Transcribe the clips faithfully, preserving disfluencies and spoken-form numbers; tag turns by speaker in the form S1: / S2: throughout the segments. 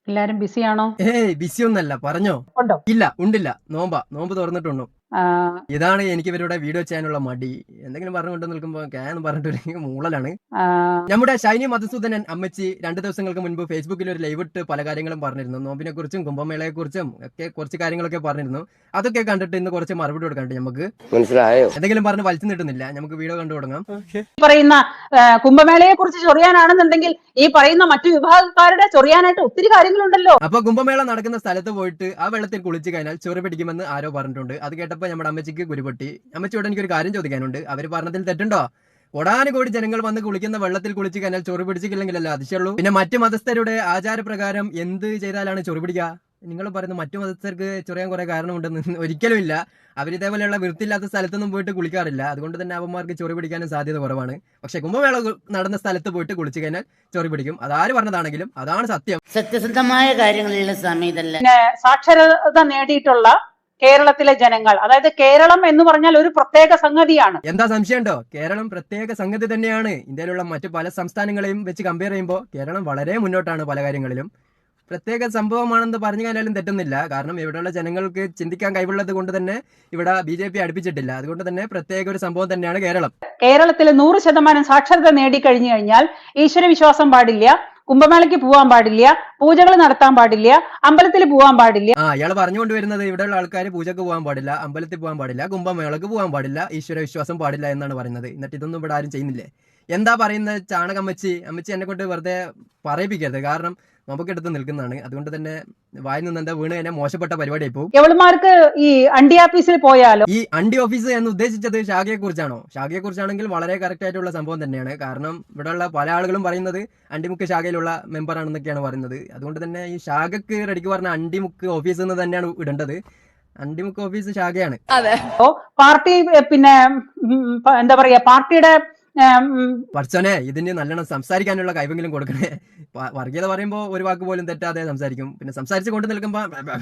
S1: എല്ലാരും ബിസിയാണോ?
S2: ഏയ് ബിസി ഒന്നല്ല, പറഞ്ഞോ.
S1: ഉണ്ടോ?
S2: ഇല്ല, ഉണ്ടില്ല. നോമ്പാ, നോമ്പ് തുറന്നിട്ടുണ്ടോ. ഇതാണ് എനിക്ക് ഇവരുടെ വീഡിയോ ചെയ്യാനുള്ള മടി. എന്തെങ്കിലും പറഞ്ഞുകൊണ്ട് നിൽക്കുമ്പോ എന്ന് പറഞ്ഞിട്ട് മൂളലാണ്. നമ്മുടെ ഷൈനി മധുസൂദനൻ അമ്മച്ചി രണ്ടു ദിവസങ്ങൾക്ക് മുൻപ് ഫേസ്ബുക്കിൽ ഒരു ലൈവ് ഇട്ട് പല കാര്യങ്ങളും പറഞ്ഞിരുന്നു. നോമ്പിനെ കുറിച്ചും കുംഭമേളയെ കുറിച്ചും ഒക്കെ കുറച്ച് കാര്യങ്ങളൊക്കെ പറഞ്ഞിരുന്നു. അതൊക്കെ കണ്ടിട്ട് ഇന്ന് കുറച്ച് മറുപടി കൊടുക്കണ്ട്. നമുക്ക് മനസ്സിലായോ? എന്തെങ്കിലും പറഞ്ഞ് വലിച്ചു നീട്ടുന്നില്ല, നമുക്ക് വീഡിയോ കണ്ടു തുടങ്ങാം.
S1: പറയുന്ന കുംഭമേളയെ കുറിച്ച് ചൊറിയാനാണെന്നുണ്ടെങ്കിൽ ഈ പറയുന്ന മറ്റു വിഭാഗക്കാരുടെ ചൊറിയാനായിട്ട് ഒത്തിരി കാര്യങ്ങളുണ്ടല്ലോ.
S2: അപ്പൊ കുംഭമേള നടക്കുന്ന സ്ഥലത്ത് പോയിട്ട് ആ വെള്ളത്തിൽ കുളിച്ചു കഴിഞ്ഞാൽ ചൊറി പിടിക്കുമെന്ന് ആരോ പറഞ്ഞിട്ടുണ്ട്. അത് കേട്ടപ്പോ നമ്മുടെ അമ്മച്ചിക്ക് ഗുരുപൊട്ടി. അമ്മച്ചിയോട് എനിക്കൊരു കാര്യം ചോദിക്കാനുണ്ട്. അവര് പറഞ്ഞതിൽ തെറ്റുണ്ടോ? കോടാനുകോടി ജനങ്ങൾ വന്ന് കുളിക്കുന്ന വെള്ളത്തിൽ കുളിച്ച് കഴിഞ്ഞാൽ ചൊറി പിടിച്ചിട്ടില്ലെങ്കിലല്ല അതിശയുള്ളൂ. പിന്നെ മറ്റു മതസ്ഥരുടെ ആചാരപ്രകാരം എന്ത് ചെയ്താലാണ് ചൊറി പിടിക്കുക? നിങ്ങൾ പറയുന്ന മറ്റു മതസ്ഥർക്ക് ചൊറിയാൻ കുറെ കാരണമുണ്ടെന്ന് ഒരിക്കലും ഇല്ല. അവരിതേപോലെയുള്ള വൃത്തിയില്ലാത്ത സ്ഥലത്തൊന്നും പോയിട്ട് കുളിക്കാറില്ല. അതുകൊണ്ട് തന്നെ അവന്മാർക്ക് ചൊറി പിടിക്കാനും സാധ്യത കുറവാണ്. പക്ഷെ കുംഭമേള നടന്ന സ്ഥലത്ത് പോയിട്ട് കുളിച്ചു കഴിഞ്ഞാൽ ചൊറി പിടിക്കും. അതാര് പറഞ്ഞതാണെങ്കിലും അതാണ് സത്യം.
S3: സത്യസന്ധമായ കാര്യങ്ങളിലുള്ള സമയത്തല്ല.
S1: സാക്ഷരത നേടിയിട്ടുള്ള കേരളത്തിലെ ജനങ്ങൾ, അതായത് കേരളം എന്ന് പറഞ്ഞാൽ ഒരു പ്രത്യേക സംഗതിയാണ്.
S2: എന്താ സംശയമുണ്ടോ? കേരളം പ്രത്യേക സംഗതി തന്നെയാണ്. ഇന്ത്യയിലുള്ള മറ്റു പല സംസ്ഥാനങ്ങളെയും വെച്ച് കമ്പയർ ചെയ്യുമ്പോൾ കേരളം വളരെ മുന്നോട്ടാണ്. പല കാര്യങ്ങളിലും പ്രത്യേക സംഭവമാണെന്ന് പറഞ്ഞു കഴിഞ്ഞാലും തെറ്റുന്നില്ല. കാരണം ഇവിടെയുള്ള ജനങ്ങൾക്ക് ചിന്തിക്കാൻ കഴിവുള്ളത് കൊണ്ട് തന്നെ ഇവിടെ ബി ജെ പി അടുപ്പിച്ചിട്ടില്ല. അതുകൊണ്ട് തന്നെ പ്രത്യേക ഒരു സംഭവം തന്നെയാണ് കേരളം.
S1: കേരളത്തിൽ നൂറ് ശതമാനം സാക്ഷരത നേടിക്കഴിഞ്ഞു കഴിഞ്ഞാൽ ഈശ്വരവിശ്വാസം പാടില്ല, കുംഭമേളയ്ക്ക് പോകാൻ പാടില്ല, പൂജകൾ നടത്താൻ പാടില്ല, അമ്പലത്തിൽ പോകാൻ പാടില്ല.
S2: ആ ഇയാൾ പറഞ്ഞുകൊണ്ട് വരുന്നത് ഇവിടെയുള്ള ആൾക്കാർ പൂജക്ക് പോകാൻ പാടില്ല, അമ്പലത്തിൽ പോകാൻ പാടില്ല, കുംഭമേളക്ക് പോകാൻ പാടില്ല, ഈശ്വര വിശ്വാസം പാടില്ല എന്നാണ് പറയുന്നത്. എന്നിട്ട് ഇതൊന്നും ഇവിടെ ആരും ചെയ്യുന്നില്ലേ? എന്താ പറയുന്നത്? ചാണകമ്മച്ചി അമ്മച്ചി എന്നെ കൊണ്ട് വെറുതെ പറയിപ്പിക്കരുത്. കാരണം നമുക്കെടുത്ത് നിൽക്കുന്നതാണ്. അതുകൊണ്ട് തന്നെ വായിൽ നിന്ന് എന്താ വീണ് കഴിഞ്ഞാൽ മോശപ്പെട്ട പരിപാടിയായി പോകും.
S1: എവളുമാർക്ക് ഈ അണ്ടി ഓഫീസിൽ പോയാലോ?
S2: ഈ അണ്ടി ഓഫീസ് എന്ന് ഉദ്ദേശിച്ചത് ഷാഗയെ കുറിച്ചാണോ? ഷാഗയെ കുറിച്ചാണെങ്കിൽ വളരെ കറക്റ്റ് ആയിട്ടുള്ള സംഭവം തന്നെയാണ്. കാരണം ഇവിടെയുള്ള പല ആളുകളും പറയുന്നത് അണ്ടിമുക്ക് ശാഖയിലുള്ള മെമ്പർ ആണെന്നൊക്കെയാണ് പറയുന്നത്. അതുകൊണ്ട് തന്നെ ഈ ഷാഗക്ക് റെഡിക്ക് പറഞ്ഞ അണ്ടിമുക്ക് ഓഫീസ് എന്ന് തന്നെയാണ് ഇടേണ്ടത്. അണ്ടിമുക്ക് ഓഫീസ് ശാഖയാണ്.
S1: പാർട്ടി പിന്നെ എന്താ പറയാ, പാർട്ടിയുടെ
S2: പഠിച്ചോനെ ഇതിന് നല്ലോണം സംസാരിക്കാനുള്ള കഴിവെങ്കിലും കൊടുക്കണേ. വർഗീയത പറയുമ്പോ ഒരു വാക്ക് പോലും തെറ്റാതെ സംസാരിക്കും. പിന്നെ സംസാരിച്ചു കൊണ്ട് നിൽക്കുമ്പോ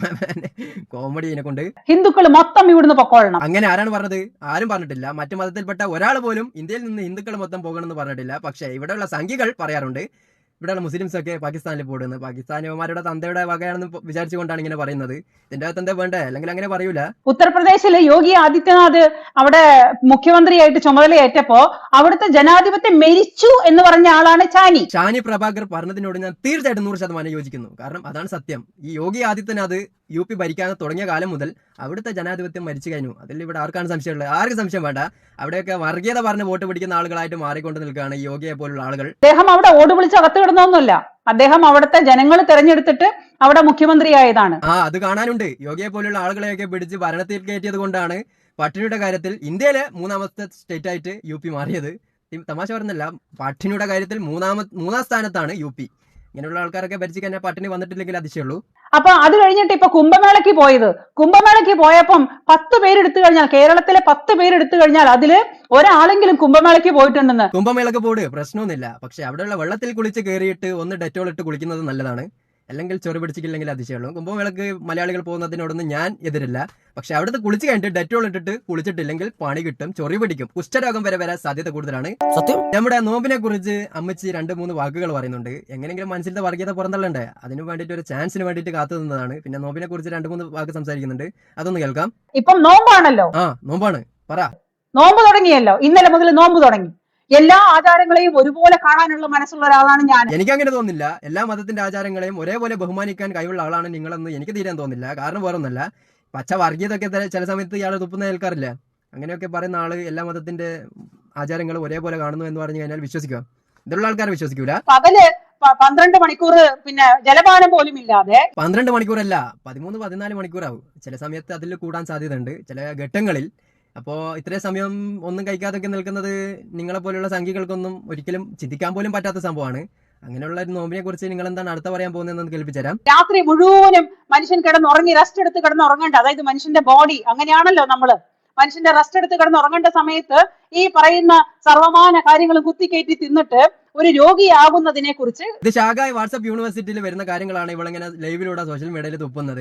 S2: കോമഡിയെ കൊണ്ട്
S1: ഹിന്ദുക്കൾ മൊത്തം ഇവിടുന്ന് പൊക്കോളണം.
S2: അങ്ങനെ ആരാണ് പറഞ്ഞത്? ആരും പറഞ്ഞിട്ടില്ല. മറ്റു മതത്തിൽപ്പെട്ട ഒരാൾ പോലും ഇന്ത്യയിൽ നിന്ന് ഹിന്ദുക്കൾ മൊത്തം പോകണമെന്ന് പറഞ്ഞിട്ടില്ല. പക്ഷേ ഇവിടെയുള്ള സംഖ്യകൾ പറയാറുണ്ട് ഇവിടെയുള്ള മുസ്ലിംസ് ഒക്കെ പാകിസ്ഥാനിൽ പോകുന്നത്. പാകിസ്ഥാനിമാരുടെ തന്തയുടെ വകയാണെന്ന് വിചാരിച്ചുകൊണ്ടാണ് ഇങ്ങനെ പറയുന്നത്. ഇതിന്റെ അകത്ത് എന്താ വേണ്ടേ? അല്ലെങ്കിൽ അങ്ങനെ പറയൂല.
S1: ഉത്തർപ്രദേശിലെ യോഗി ആദിത്യനാഥ് അവിടെ മുഖ്യമന്ത്രിയായിട്ട് ചുമതലയേറ്റപ്പോ അവിടുത്തെ ജനാധിപത്യം മരിച്ചു എന്ന് പറഞ്ഞ ആളാണ് ഷാനി.
S2: ഷാനി പ്രഭാകർ പറഞ്ഞതിനോട് ഞാൻ തീർച്ചയായിട്ടും നൂറ് ശതമാനം യോജിക്കുന്നു. കാരണം അതാണ് സത്യം. ഈ യോഗി ആദിത്യനാഥ് യു പി ഭരിക്കാൻ തുടങ്ങിയ കാലം മുതൽ അവിടുത്തെ ജനാധിപത്യം മരിച്ചു കഴിഞ്ഞു. അതിൽ ഇവിടെ ആർക്കാണ് സംശയമുള്ളത്? ആർക്ക് സംശയം വേണ്ട. അവിടെയൊക്കെ വർഗീയത പറഞ്ഞ് വോട്ട് പിടിക്കുന്ന ആളുകളായിട്ട് മാറിക്കൊണ്ട് നിൽക്കുകയാണ് ഈ യോഗിയെ പോലുള്ള ആളുകൾ.
S1: അദ്ദേഹം അവിടെ ഓട് വിളിച്ച് അകത്ത് കിടന്നൊന്നുമല്ല. അദ്ദേഹം അവിടുത്തെ ജനങ്ങൾ തെരഞ്ഞെടുത്തിട്ട് അവിടെ മുഖ്യമന്ത്രിയായതാണ്.
S2: ആ അത് കാണാനുണ്ട്. യോഗിയെ പോലുള്ള ആളുകളെയൊക്കെ പിടിച്ച് ഭരണത്തിൽ കയറ്റിയത് കൊണ്ടാണ് പട്ടിണിയുടെ കാര്യത്തിൽ ഇന്ത്യയിലെ മൂന്നാമത്തെ സ്റ്റേറ്റ് ആയിട്ട് യു പി മാറിയത്. തമാശ പറഞ്ഞല്ല, പട്ടിണിയുടെ കാര്യത്തിൽ മൂന്നാമ മൂന്നാം സ്ഥാനത്താണ് യു പി. ഇങ്ങനെയുള്ള ആൾക്കാരൊക്കെ ഭരിച്ചിട്ട് തന്നെ പട്ടിണി വന്നിട്ടില്ലെങ്കിൽ അതിശയുള്ളൂ.
S1: അപ്പൊ അത് കഴിഞ്ഞിട്ട് ഇപ്പൊ കുംഭമേളയ്ക്ക് പോയത്, കുംഭമേളയ്ക്ക് പോയപ്പം പത്ത് പേരെടുത്തു കഴിഞ്ഞാൽ, കേരളത്തിലെ പത്ത് പേരെടുത്തു കഴിഞ്ഞാൽ അതില് ഒരാളെങ്കിലും കുംഭമേളയ്ക്ക് പോയിട്ടുണ്ടെന്ന്.
S2: കുംഭമേളക്ക് പോട് പ്രശ്നമൊന്നുമില്ല. പക്ഷെ അവിടെയുള്ള വെള്ളത്തിൽ കുളിച്ച് കയറിയിട്ട് ഒന്ന് ഡെറ്റോൾ ഇട്ട് കുളിക്കുന്നത് നല്ലതാണ്. അല്ലെങ്കിൽ ചൊറി പിടിച്ചിട്ടില്ലെങ്കിൽ അതിശയുള്ളൂ. കുംഭമേളക്ക് മലയാളികൾ പോകുന്നതിനോടൊന്നും ഞാൻ എതിരില്ല. പക്ഷെ അവിടുത്തെ കുളിച്ച് കഴിഞ്ഞിട്ട് ഡെറ്റോൾ ഇട്ടിട്ട് കുളിച്ചിട്ടില്ലെങ്കിൽ പണി കിട്ടും, ചൊറി പിടിക്കും, കുഷ്ഠരോഗം വരെ വരാൻ സാധ്യത കൂടുതലാണ്. സത്യം. നമ്മുടെ നോമ്പിനെ കുറിച്ച് അമ്മച്ചി രണ്ട് മൂന്ന് വാക്കുകൾ പറയുന്നുണ്ട്. എങ്ങനെയെങ്കിലും മനസ്സിലത്തെ വർഗീയത പുറന്തള്ളണ്ടേ? അതിന് വേണ്ടിയിട്ട് ഒരു ചാൻസിന് വേണ്ടിയിട്ട് കാത്തു നിന്നതാണ്. പിന്നെ നോമ്പിനെ കുറിച്ച് രണ്ട് മൂന്ന് വാക്ക് സംസാരിക്കുന്നുണ്ട്, അതൊന്ന് കേൾക്കാം.
S1: ഇപ്പം നോമ്പാണല്ലോ.
S2: ആ നോമ്പാണ്, പറ.
S1: നോമ്പ് തുടങ്ങിയല്ലോ, ഇന്നലെ മുതൽ നോമ്പ് തുടങ്ങി. എല്ലാ ആചാരങ്ങളെയും ഒരുപോലെ കാണാനുള്ള മനസ്സുള്ള ഒരാളാണ് ഞാൻ.
S2: എനിക്ക് അങ്ങനെ തോന്നുന്നില്ല. എല്ലാ മതത്തിന്റെ ആചാരങ്ങളെയും ഒരേപോലെ ബഹുമാനിക്കാൻ കഴിവുള്ള ആളാണ് നിങ്ങളെന്ന് എനിക്ക് തീരാൻ തോന്നുന്നില്ല. കാരണം വേറൊന്നല്ല, പച്ച വർഗീയതൊക്കെ ചില സമയത്ത് ഇയാൾ തുപ്പുന്ന കേൾക്കാറില്ല. അങ്ങനെയൊക്കെ പറയുന്ന ആള് എല്ലാ മതത്തിന്റെ ആചാരങ്ങളും ഒരേപോലെ കാണുന്നു എന്ന് പറഞ്ഞു കഴിഞ്ഞാൽ വിശ്വസിക്കുക? ഇതിലുള്ള ആൾക്കാരെ വിശ്വസിക്കൂല.
S1: പകല് പന്ത്രണ്ട് മണിക്കൂർ പിന്നെ ജലപാനം പോലും ഇല്ലാതെ.
S2: പന്ത്രണ്ട് മണിക്കൂറല്ല, പതിമൂന്ന് പതിനാല് മണിക്കൂറാവും. ചില സമയത്ത് അതിൽ കൂടാൻ സാധ്യതയുണ്ട് ചില ഘട്ടങ്ങളിൽ. അപ്പോ ഇത്രയും സമയം ഒന്നും കഴിക്കാതൊക്കെ നിൽക്കുന്നത് നിങ്ങളെ പോലുള്ള സംഖ്യകൾക്കൊന്നും ഒരിക്കലും ചിന്തിക്കാൻ പോലും പറ്റാത്ത സംഭവമാണ്. അങ്ങനെയുള്ള ഒരു നോമ്പിനെ കുറിച്ച് നിങ്ങൾ എന്താണ് അടുത്ത പറയാൻ പോകുന്നതെന്ന് കേൾപ്പിച്ചു തരാം.
S1: രാത്രി മുഴുവനും മനുഷ്യൻ കിടന്നുറങ്ങി റെസ്റ്റ് എടുത്ത് കിടന്നുറങ്ങേണ്ട, അതായത് മനുഷ്യന്റെ ബോഡി അങ്ങനെയാണല്ലോ, നമ്മള് മനുഷ്യന്റെ റെസ്റ്റ് എടുത്ത് കിടന്നുറങ്ങേണ്ട സമയത്ത് ഈ പറയുന്ന സർവമാന കാര്യങ്ങളും കുത്തിക്കയറ്റി തിന്നിട്ട് ഒരു രോഗിയാകുന്നതിനെ കുറിച്ച്.
S2: ഇത് ഷാഗായ് വാട്സ്ആപ്പ് യൂണിവേഴ്സിറ്റിയിൽ വരുന്ന കാര്യങ്ങളാണ് ഇവളിങ്ങനെ ലൈവിലൂടെ സോഷ്യൽ മീഡിയയിൽ തുപ്പുന്നത്.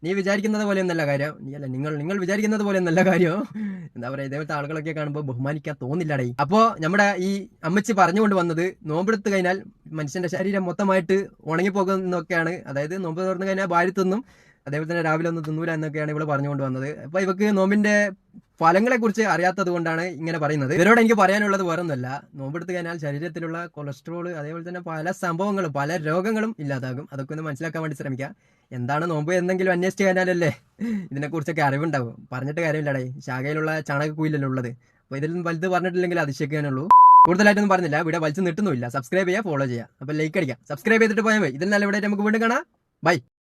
S2: നീ വിചാരിക്കുന്നത് പോലെയൊന്നല്ല കാര്യം, നീ അല്ല നിങ്ങൾ നിങ്ങൾ വിചാരിക്കുന്നത് പോലെയൊന്നല്ല കാര്യം. എന്താ പറയാ, ഇതേപോലത്തെ ആളുകളൊക്കെ കാണുമ്പോൾ ബഹുമാനിക്കാൻ തോന്നില്ലടേ. അപ്പോ നമ്മുടെ ഈ അമ്മച്ചി പറഞ്ഞുകൊണ്ട് വന്നത് നോമ്പെടുത്ത് കഴിഞ്ഞാൽ മനുഷ്യന്റെ ശരീരം മൊത്തമായിട്ട് ഉണങ്ങിപ്പോകുന്നൊക്കെയാണ്. അതായത് നോമ്പ് തുറന്നു കഴിഞ്ഞാൽ ഭാര്യ തിന്നും, അതേപോലെ തന്നെ രാവിലെ ഒന്നും തിന്നൂല എന്നൊക്കെയാണ് ഇവിടെ പറഞ്ഞുകൊണ്ട് വന്നത്. അപ്പൊ ഇവക്ക് നോമ്പിന്റെ ഫലങ്ങളെ കുറിച്ച് അറിയാത്തത് കൊണ്ടാണ് ഇങ്ങനെ പറയുന്നത്. ഇവരോട് എനിക്ക് പറയാനുള്ളത് വേറൊന്നുമല്ല, നോമ്പെടുത്ത് കഴിഞ്ഞാൽ ശരീരത്തിലുള്ള കൊളസ്ട്രോൾ അതേപോലെ തന്നെ പല സംഭവങ്ങളും പല രോഗങ്ങളും ഇല്ലാതാകും. അതൊക്കെ ഒന്ന് മനസ്സിലാക്കാൻ വേണ്ടി ശ്രമിക്കുക. എന്താണ് നോമ്പ് എന്തെങ്കിലും അന്വേഷിച്ച് കഴിഞ്ഞാലല്ലേ ഇതിനെക്കുറിച്ചൊക്കെ അറിവുണ്ടാവും. പറഞ്ഞിട്ട് കാര്യമില്ലടേ, ശാഖയിലുള്ള ചാണകക്കുയിലല്ലേ ഉള്ളത്. അപ്പൊ ഇതിൽ വലുത് പറഞ്ഞിട്ടില്ലെങ്കിൽ അതിശയിക്കാനുള്ളൂ. കൂടുതലായിട്ടൊന്നും പറഞ്ഞില്ല, ഇവിടെ വലിച്ചു നിട്ടുന്നില്ല. സബ്സ്ക്രൈബ് ചെയ്യുക, ഫോളോ ചെയ്യുക, അപ്പൊ ലൈക്ക് അടിക്കാം. സബ്സ്ക്രൈബ് ചെയ്തിട്ട് പോയാൽ മതി. ഇതിൽ നല്ല ഇവിടെ നമുക്ക് വീണ്ടും കാണാം. ബൈ.